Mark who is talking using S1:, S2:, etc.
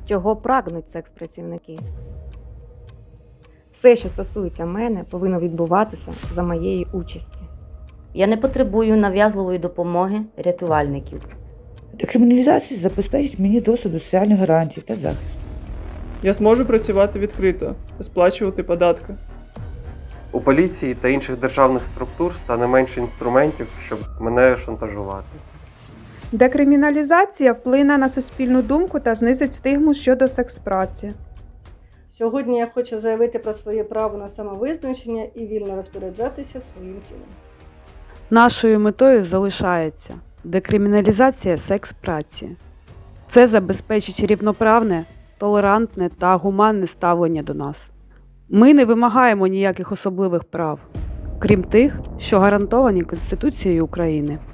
S1: Чого прагнуть секс-працівники? Все, що стосується мене, повинно відбуватися за моєї участі.
S2: Я не потребую нав'язливої допомоги рятувальників.
S3: Декриміналізація забезпечить мені доступ до соціальних гарантій та захисту.
S4: Я зможу працювати відкрито та сплачувати податки.
S5: У поліції та інших державних структур стане менше інструментів, щоб мене шантажувати.
S6: Декриміналізація вплине на суспільну думку та знизить стигму щодо секс-праці.
S7: Сьогодні я хочу заявити про своє право на самовизначення і вільно розпоряджатися своїм тілом.
S8: Нашою метою залишається декриміналізація секс-праці. Це забезпечить рівноправне, толерантне та гуманне ставлення до нас. Ми не вимагаємо ніяких особливих прав, крім тих, що гарантовані Конституцією України.